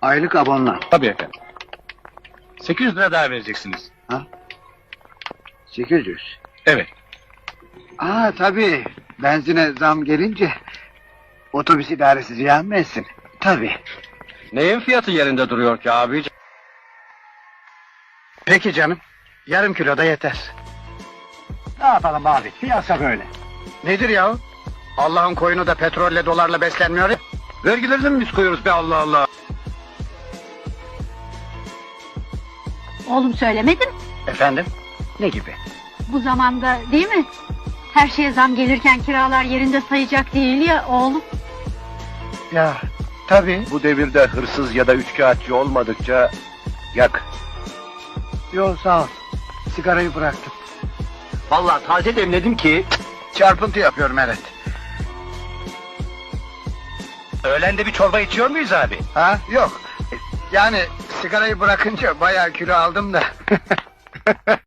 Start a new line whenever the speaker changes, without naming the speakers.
Aylık abonman.
Tabii efendim. 800 lira daha vereceksiniz.
800.
Evet.
Tabii. Benzine zam gelince otobüs idaresi ziyan mı etsin? Tabii.
Neyin fiyatı yerinde duruyor ki abici?
Peki canım. Yarım kilo da yeter. Ne yapalım abi? Piyasa böyle. Nedir ya? Allah'ın koyunu da petrolle dolarla beslenmiyor ya.
Vergilerini mi biz koyuyoruz be Allah Allah?
Oğlum söylemedim.
Efendim? Ne gibi?
Bu zamanda değil mi? Her şeye zam gelirken kiralar yerinde sayacak değil ya oğlum.
Ya tabii.
Bu devirde hırsız ya da üçkağıtçı olmadıkça yak.
Yo sağ ol. Sigarayı bıraktım.
Vallahi taze demledim ki.
Çarpıntı yapıyorum evet.
Öğlende bir çorba içiyor muyuz abi?
Yok. Yani sigarayı bırakınca bayağı kilo aldım da.